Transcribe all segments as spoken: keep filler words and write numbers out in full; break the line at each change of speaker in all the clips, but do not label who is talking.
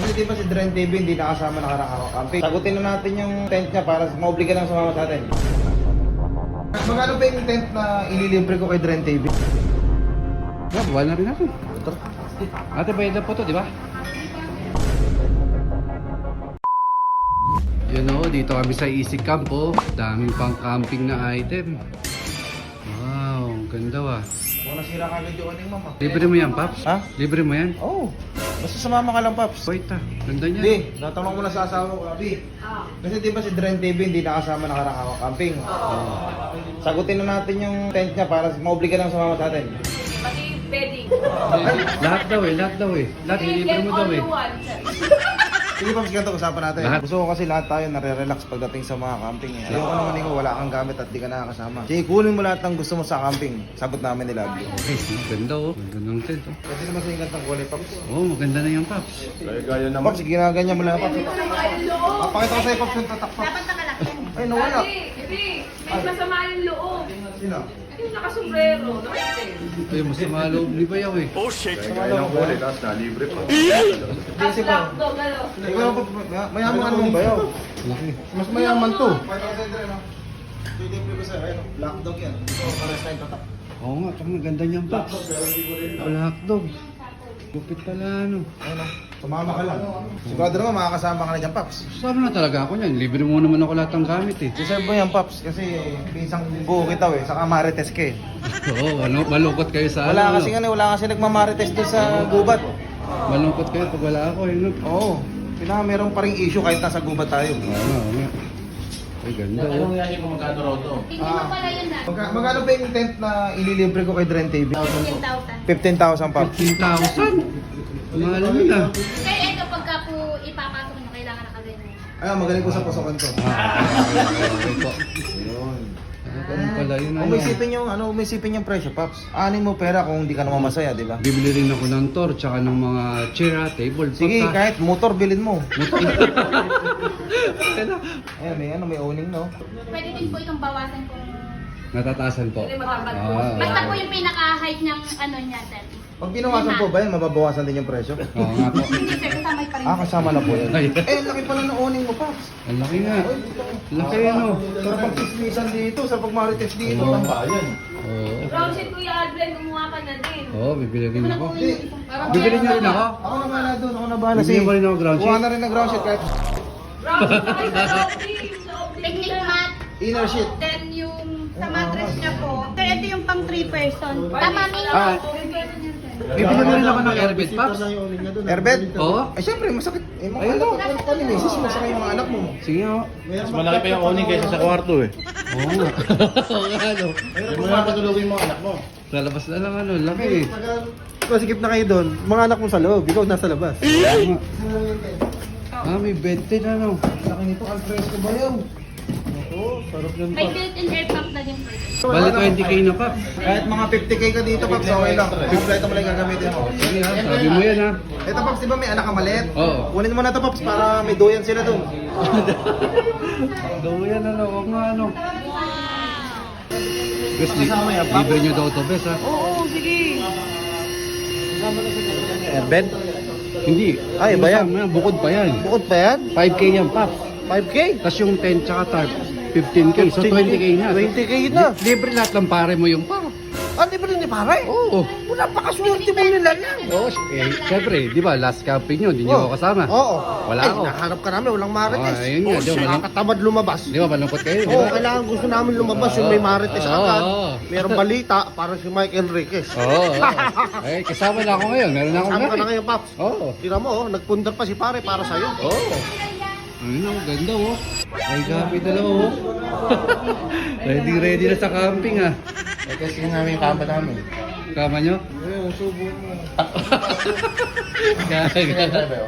Kasi di ba si Dren T V hindi nakasama nakarang araw camping. Sagutin na natin yung tent niya para maobliga lang sumama sa atin. Magkano ba yung tent na ililibre ko kay Dren T V?
Yeah, buwan na rin ako. Ate, bayad na po to, di ba? Yun o, dito kami sa Easy Camp oh. Daming pang camping na item. Wow, ang ganda wa.
Kung nasira ka agad yung aning mama.
Libre mo yan, Paps?
Ha?
Libre mo yan?
Oo. Oh, basta sumama ka lang, Paps.
Wait ah, ganda niya.
Hindi, tatanong mo na sa asawa ko, Abi. Kasi di ba si Dren T V hindi nakasama nakarang araw camping. Sagutin na natin yung tent niya para maobliga lang sumama sa atin.
Pati bedding.
Lahat daw eh, lahat daw eh. Lahat, libre mo daw eh.
Sige pa, ganito usapan natin.
Lahat.
Gusto ko kasi lahat tayo nare-relax pagdating sa mga camping. Eh. Ayoko naman ikaw wala kang gamit at di ka nakakasama. Sige, kunin mo lahat ng gusto mo sa camping. Sagot namin nila.
Okay, ganda oh. Ganda ng tent oh.
Kasi naman sa ingat ng kulay, Paps.
Oh, maganda na yan, Paps.
Gaya naman. Paps, ginaganyan mo lang, Paps. Ah, pakita ko sa'yo, Paps, yung tatak, Paps.
Dapat nakalaki.
Ay, nawala.
Hindi, hindi. May masama yung loob.
Sino?
Yung nakasombrero. Nakaitin.
Ay, masama loob ni Bayaw eh.
Oh shit! Kaya ng kulay, tapos nalibre pa.
Tapos lockdown, ano?
Ikaw, Paps, mayaman ka naman ba yun?
Laki.
Mas mayaman to. Pakita ko sa'yo, Dren, no? Pilipi ko sa'yo, ayun, black dog yan. Ito, pares na yung tatak.
Oo nga, tsaka maganda niyan, Paps. Black dog. Gupit pala ano.
Ayun, no? Sumama ka lang. Sigurado naman makakasama ka na dyan, Paps.
Sama na talaga ako niyan. Libre mo naman ako lahat ng gamit eh.
Deserve mo yan, Paps, kasi pinsang buo kita eh, saka marites ka eh.
Oo, ano, malungkot kayo sa
Wala
ano.
kasi nga, wala kasi nagmamarites doon sa gubat.
Malungkot kayo pag wala ako eh. No?
Oo, pinaka meron pa ring issue kahit nasa gubat tayo.
Oo nga, oo nga. Ay, ganda oh.
Hindi mo pala yun na.
Magka, magkano ba yung tent na ililibre ko kay Dren T V?
fifteen thousand.
fifteen thousand, Paps.
fifteen thousand? Mahal mo na.
Kaya ito pagka po ipapasok nyo, kailangan nakaganyan.
Ayun, magaling ko sa pasokan to.
Ah, okay, okay po.
Ayun.
Ano ganun pala yun? Ano?
Umisipin yung, ano, umisipin yung presyo, Paps. Anin mo pera kung hindi ka naman masaya, di ba?
Bibili rin ako ng tour, tsaka ng mga chair, ah, table,
Sige,
pagka-
kahit motor bilhin mo.
Motor.
Ayun, may ano, may owning, no?
Pwede din po itong bawasan kung...
Natataasan po.
Hindi matapad po.
Ah,
Basta po yung pinaka-height ng ano niya, sir.
Pag binawasan po ba yan, mababawasan din yung presyo?
Oo nga po.
Hindi sir, kasama pa rin.
Ah, kasama na po yun.
Ay.
Eh, laki pala ng owning mo, Paps.
Ang laki nga. Laki ano.
Sa pag-tismisan dito, sa pag-marites dito,
Oo.
tambayan.
Oo.
Brown sheet Kuya Adlen, kumuha ka na din.
Oo, bibili rin ako.
Hindi.
Bibili niyo rin ako?
Ako na bahala doon, ako na bahala.
Bibili mo rin ako ground
Kuha
sheet?
na rin ng ground sheet kahit
Brown sheet pa kayo sa loob, team. Sa loob, team.
Technique mat,
inner sheet.
then yung sa mattress niya po. Sir, ito yung pang three person. Tama mi.
Ah, bibili mo rin ako ng airbed, Paps?
Airbed?
Oo.
Ay, syempre, masakit. Eh, mga anak, ano pa ni Macy's, masakit yung mga anak mo.
Sige ako.
Mas malaki pa yung owning kaysa sa kwarto eh.
Oo nga. Oo nga ano.
Hindi mo na patulogin yung mga anak mo.
Lalabas na lang ano, laki eh.
Masikip na kayo doon. Mga anak mo sa loob, ikaw nasa labas.
Oo nga. Ah, may bed din ano.
Laki nito, al fresco ba yun? Oo, sarap yan,
May
Paps.
built-in air pump na din po ito.
Bali twenty K na, Paps.
Kahit mga fifty K ka dito, Paps, okay lang. Kompleto mo lang yung gagamitin mo.
Sige ha, sabi mo yan ha.
Ito, Paps, di ba may anak ka maliit?
Oo.
Kunin mo na ito, Paps, para may doyan sila doon.
Daw yan ano, huwag nga ano. Bes, li libre nyo daw to, Bes ha.
Oo, sige. Airbed?
Hindi.
Ay, ba yan?
Kasama Bukod pa yan.
Bukod pa yan?
five K yan, Paps.
five K?
Tapos yung tent tsaka tarp, fifteen K. So twenty K na.
twenty K na.
Li- Libre lahat ng pare mo yung pa.
Ah, di ba rin ni pare?
Oo.
Napakaswerte mo nila yan.
Oo, eh, syempre, di ba, last camping nyo, di nyo ako kasama.
Oo.
Wala
Ay,
ako.
nahanap ka namin, walang marites.
Ah, ayun nga, di ba, walang-
Nakakatamad lumabas.
Di ba, malungkot kayo, di
Oo,
ba?
kailangan gusto namin lumabas yung may marites
Oo,
agad.
oo.
Merong balita, parang si Mike Enriquez.
Oo, oo. Eh, kasama na ako ngayon, meron na akong
Kasama ka na
gamit.
ngayon, Paps.
Oo.
Tira mo, oh, nagpundar pa si pare para sa'yo.
Oo. Ayun ang ganda oh. Ay, gabi dalawa oh. Ready, ready na sa camping ah.
Eh kasi namin yung kamba namin.
Kama nyo?
Ayun, subo mo.
Gaya, gaya.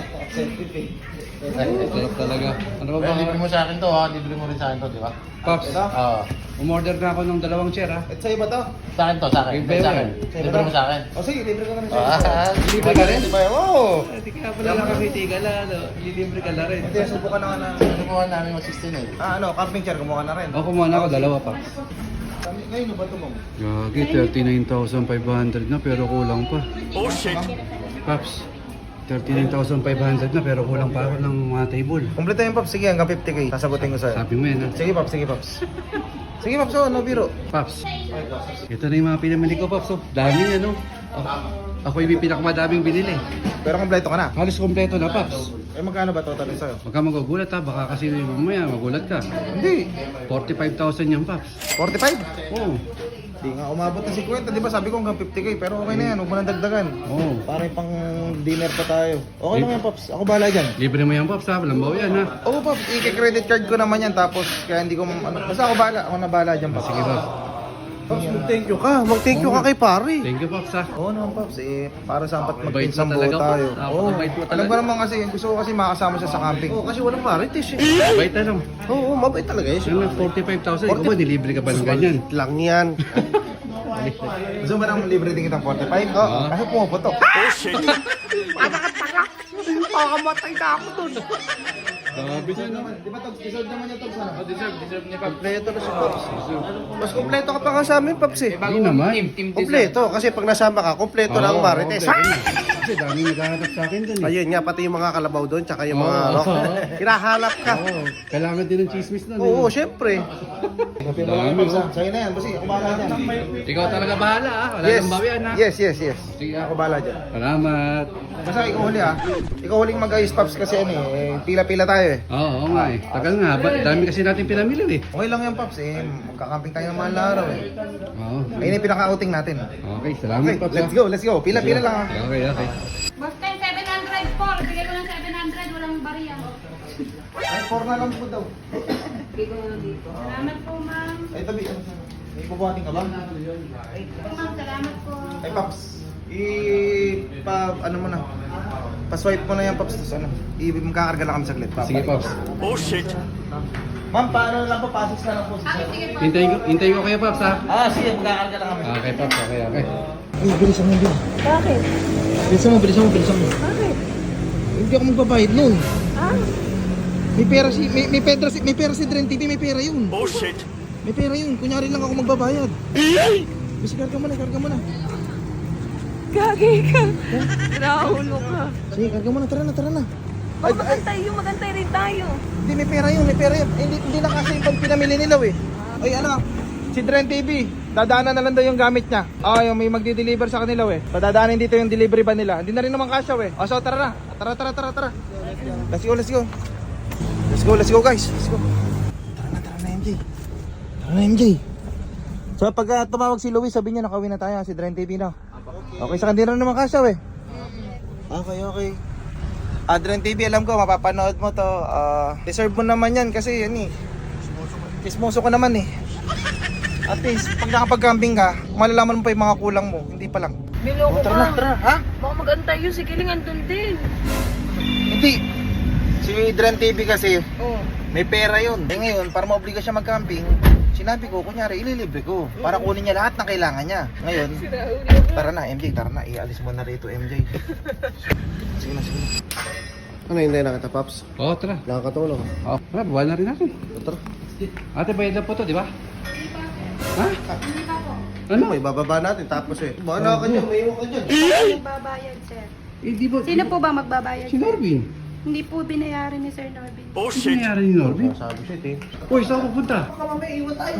Sarap talaga. Ano ba
Well,
ba?
libre mo sa akin to ha, libre mo rin sa akin to, di ba?
Pops,
Oo.
umorder na ako ng dalawang chair ah.
At sa'yo ba to?
Sa akin to, sa akin.
Libre
Sa
mo
akin.
yan.
Libre mo sa akin.
O sige, libre ka na rin
Ah,
sa'yo.
Libre ka rin?
Di ba? Oo.
Hindi kaya pala nakakiti ka na, ano? Lilibre ka na rin.
Hindi, subukan na nga na.
Kumuha namin mag sixteen eh.
Ah, ano, camping chair, kumuha na rin.
Ako kumuha na ako, dalawa pa.
Ngayon, ano ba ito, ma'am?
Gagi, thirty-nine thousand five hundred na pero kulang pa.
Oh shit!
Paps, thirty-nine thousand five hundred na pero kulang pa ako ng mga table.
Kompleto yan, Pops. Sige, hanggang fifty K. Sasagutin ko sa'yo.
Sabi mo yan ha.
Sige, Pops. Sige, Pops. Sige, Pops. Oh, no biro.
Paps, ito na yung mga pinamili ko, Paps. Oh. Dami ano. Ako yung pinakamadaming binili.
Pero kompleto ka na.
Halos kompleto na, Paps.
Eh, magkano ba total sa'yo?
Huwag ka magugulat ha, baka kasi mamaya magulat ka.
Hindi.
forty-five thousand yan, Paps.
forty-five?
Oo.
Di nga umabot ng fifty, di ba? Sabi ko hanggang fifty K. Pero okay na yan. Huwag mo nang dagdagan.
Oo.
Para yung pang dinner pa tayo. Okay lang yan, Pops. Ako bahala dyan.
Libre mo yan, Paps ha. Walang bawi yan ha.
Oo, Pops. I-credit card ko naman yan. Tapos, kaya hindi ko... Ano, basta ako bahala. Ako na bahala dyan, Pops.
Sige, Paps.
Pops, mag-thank you ka. Mag-thank you ka kay pare.
Thank you, Paps ha.
Oo naman, Pops. Eh, para sa apat
Mabait
magpinsang
mo
buo
talaga,
tayo.
Pops. Ah,
Oo.
mabait mo
Alam
talaga.
ko naman kasi, gusto ko kasi makasama siya sa camping. Oo, kasi walang marites eh.
Bait na lang.
Oo, mabait talaga eh.
Ano, forty-five thousand. Ikaw ba, nilibre ka ba ng ganyan?
Lang yan. Gusto mo ba nang libre din kitang forty-five? Oo,
Ah.
kasi pumuputok.
Sabi niya naman.
Di ba, Togs? Deserve naman yung Togs, ano?
Deserve, deserve niya pa.
Kompleto na si Pops. Mas kompleto ka pa ka sa amin, Pops eh.
Hindi naman.
Team, team deserve.
Kompleto, kasi pag nasama ka, kompleto na ang
Oo,
marites.
oo, kompleto na. Kasi dami naghahanap sa akin dun eh.
Ayun nga, pati yung mga kalabaw doon, tsaka yung mga
Oo.
rock. Hinahanap ka.
Oo, kailangan din ng chismis nun.
Oo,
eh.
syempre.
Dami, oh.
Sa'yo na yan, basi. Ako bahala dyan.
Ikaw talaga bahala ah. Wala
Yes.
nang bawian ha.
Yes, yes, yes.
Sige ah.
Ako bahala dyan.
Salamat.
Basta ikaw huli ah. Ikaw huling mag-ayos, Pops, kasi ano eh, pila-pila tayo eh.
Oo, oo nga eh. Tagal nga. Ba- dami kasi natin pinamili eh.
Okay lang yan, Pops eh. Magkakamping tayo ng mahal na araw eh.
Oo.
Ayun yung pinaka-outing natin.
Okay, salamat
Okay,
Paps.
let's
ah.
go, let's go. Pila-pila lang ah.
Okay, okay.
Basta yung seven hundred po. Bigay ko ng seven hundred. Walang bariya.
Ay, four na lang po daw.
Salamat po, ma'am.
Ay, tabi. ano, May bubuhatin ka ba?
Po, ma'am. Salamat po.
Ay, Pops. I... Pa... Ano mo na? Pa-swipe mo na yan, Pops. Tapos ano? I... Magkakarga lang kami saglit.
Sige Paps.
Ma'am, paano lang po? Pasok na lang po.
Ah, sige po.
Hintayin ko, hintayin ko kayo Paps ha.
Ah, sige. Magkakarga lang kami.
Okay Paps, okay, okay.
Ay, bilisan mo din.
Bakit?
Bilisan mo, bilisan mo, bilisan mo.
Bakit?
Hindi ako magbabayad nun.
Ah?
May pera si... May, may, pera si, may pera si Dren T V. May pera yun. Oh, shit. May pera yun. Kunyari lang ako magbabayad. Bisi, karga mo na, karga mo na.
Gagi ka. Naulo ka.
Sige, karga mo na. Tara na, tara na. Ay, ay,
Magantay yung magantay rin tayo.
hindi, may pera yun, may pera yun. Eh, Hindi, hindi na kasi yung pag pinamili nila eh. Ay, ano, si Dren T V, dadaanan na lang daw yung gamit niya. Ah, yung may magdi-deliver sa kanila eh. Padadaanan dito yung delivery ba nila. Hindi na rin naman kasya eh. Oh, so tara na. Tara, tara, tara, tara. Let's go, let's go. Let's go, let's go guys. Let's go. Tara na, tara na M J. Tara na M J. So pag uh, tumawag si Luis, sabi niya nakawin na tayo si Dren T V na. Okay, sa kanila naman kasya eh. Okay, okay. Ah, Dren T V, alam ko, mapapanood mo to. Ah, deserve mo naman yan kasi yan eh. Kismoso ko naman eh. At least, pag nakapag-camping ka, malalaman mo pa yung mga kulang mo. Hindi pa lang.
Niloko
Tara na, tara. Ha?
Baka magantay yun. Sige lang, andun din.
Hindi. Si Dren T V kasi,
Oh.
may pera yun. Eh ngayon, para maobliga siya mag-camping, sinabi ko, kunyari, ililibre ko. Para kunin niya lahat ng kailangan niya. Ngayon, tara na, M J, tara na. Ialis mo na rito, M J. Sige na, sige na. Ano hindi na kita, Pops?
Oo, tara.
Nakakatulong.
Oo, tara, bawa na rin natin.
Tara.
Ate, bayad na po to, di ba?
Hindi pa po.
Ha?
Hindi pa po.
Ano?
May bababa natin, tapos eh. Bahala ka dyan, may iwan ka dyan.
Magbabayad, sir.
Eh, di ba?
Sino po ba magbabayad?
Si Norvin.
Hindi po binayaran ni Sir Norbin.
Oh, shit. Ano nangyari ni Norvin?
Sabi siya, eh.
Uy, saan ako punta?
Baka mamaya iwan tayo.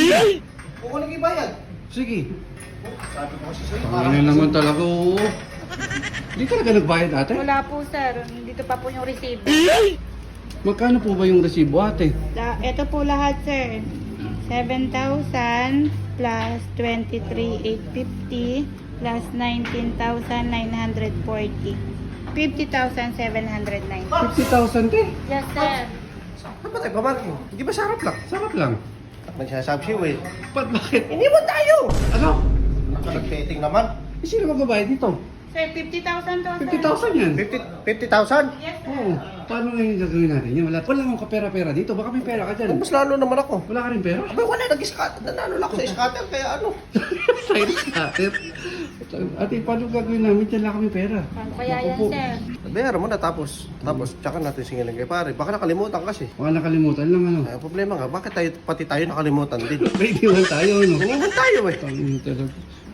Kukunin kayo bayad.
Sige.
Sabi ko kasi sa'yo.
Ano naman talaga, oo. Hindi talaga nagbayad ate?
Wala po, sir. Dito pa po yung receipt.
Magkano po ba yung resibo ate?
La, ito po lahat, sir. seven thousand plus twenty-three thousand eight hundred fifty plus nineteen thousand nine hundred forty. fifty thousand seven hundred ninety.
fifty thousand eh.
Yes, sir.
Saan ba tayo pamarking? Hindi ba sarap lang?
Sarap lang.
Nagsasabi siya, eh.
Ba't bakit?
Iniwan tayo!
Ano?
Nagpetting naman.
Eh, sino magbabayad dito?
Sir, fifty thousand to, sir.
fifty thousand yan.
fifty thousand?
Yes, sir.
Oo. Paano ngayon gagawin natin yan? Wala, wala akong kapera-pera dito. Baka may pera ka dyan.
Mas lalo naman ako.
Wala ka rin pera?
Abay, wala nag-scatter. Nanalo lang ako sa scatter, kaya ano?
Side scatter. Ate, paano gagawin namin dyan? Wala kami pera.
Paano kaya yan,
Naku po.
sir?
Bayaran mo na tapos. Tapos, tsaka natin singilin kay pare. Baka nakalimutan kasi.
Baka nakalimutan lang ano.
Ay, ang problema nga, bakit tayo, pati tayo nakalimutan din?
May diwan tayo, no?
Naniwan tayo eh.
Tangin talaga.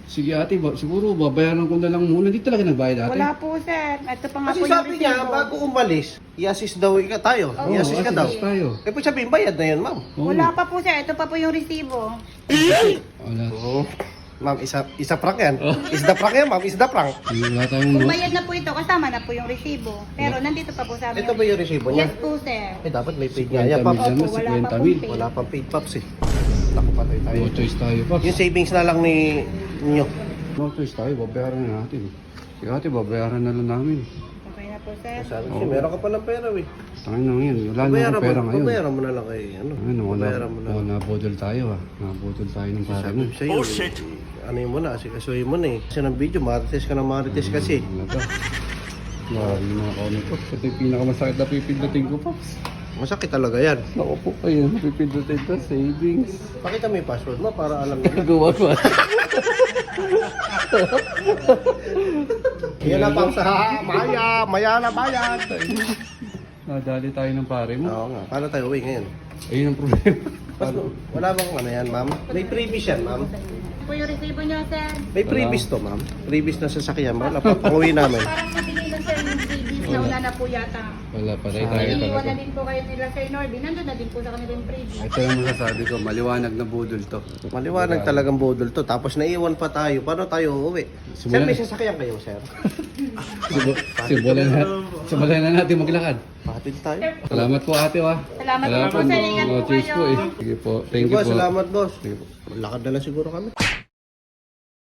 Sige ate, ba, siguro babayaran ko na lang muna. Hindi talaga nagbayad ate.
Wala po, sir. Ito pa nga
Kasi
po yung
sabi niya,
resibo.
bago umalis, i-assist daw ka tayo.
Oo,
I-assist ka daw.
assist tayo.
Eh, po sabihin, bayad na yun, ma'am.
Oo.
Wala pa po, sir. Ito pa po yung resibo.
Wala.
Oo. Ma'am, isa, isa prank yan. Is the prank yan, ma'am. Is the prank.
Wala tayong
Kung
no?
bayad na po ito, kasama na po yung resibo. Pero nandito pa po sa amin.
Ito ba yung resibo niya?
Yes po, sir.
Eh, dapat may paid nga
fifty
yan,
mil
Paps.
naman,
Opo, wala pa
fifty
pong
mil.
pay.
Wala pang paid, Paps eh. Naku, patay tayo.
No choice tayo, Paps.
Yung savings na lang ni ninyo.
No choice tayo, babayaran na natin. Sige ate, babayaran na lang namin.
Okay na po, sir.
Sabi ko, meron ka palang pera, eh.
Tangin na ngayon, wala na
Babayaran
akong pera
mo,
ngayon.
babayaran mo na lang kay, ano.
Ano, wala,
Babayaran mo na.
wala, nabudol tayo ah. Nabudol tayo ng pare
Sabi
mo.
ko sa'yo, oh, shit. Ano yun mo na, asikasuhin mo na eh. Kasi ng video, marites ka na marites kasi.
Ano ba? Grabe yung mga comment ko. Ito yung pinakamasakit na pipindutin ko, Pops.
Masakit talaga yan.
Naku po kayo, pipindutin ko, savings.
Pakita mo yung password mo para alam mo.
Gagawa ko.
Yan na pang sa Maya, Maya na bayan.
Nadali tayo ng pare mo.
Oo nga, paano tayo uwi ngayon?
Ayun ang problema.
Mas, wala bang ano yan, ma'am? May previous yan, ma'am.
Ito po yung resibo niyo, sir.
May previous to, ma'am. Previous na sasakyan, wala pa. Panguwi namin.
Parang mabigay na, sir, yung freebies na wala na po yata.
Wala, patay tayo
Iniwan
talaga.
na din po kayo nila, Sir Norby. Nandun na din po sa kanila yung freebies.
Ito yung masasabi ko, maliwanag na budol to.
Maliwanag talagang budol to. Tapos naiwan pa tayo. Paano tayo uuwi? Sir,
Simulan-
may sasakyan kayo, sir?
Sibu- Simulan na, simulan na natin maglakad.
Patid tayo.
Salamat po ate wa.
Salamat po, sir. Ingat po
No choice
kayo.
po eh. Sige po, thank
Sige
you
po,
po.
salamat, boss.
Sige po.
Lakad na lang siguro kami.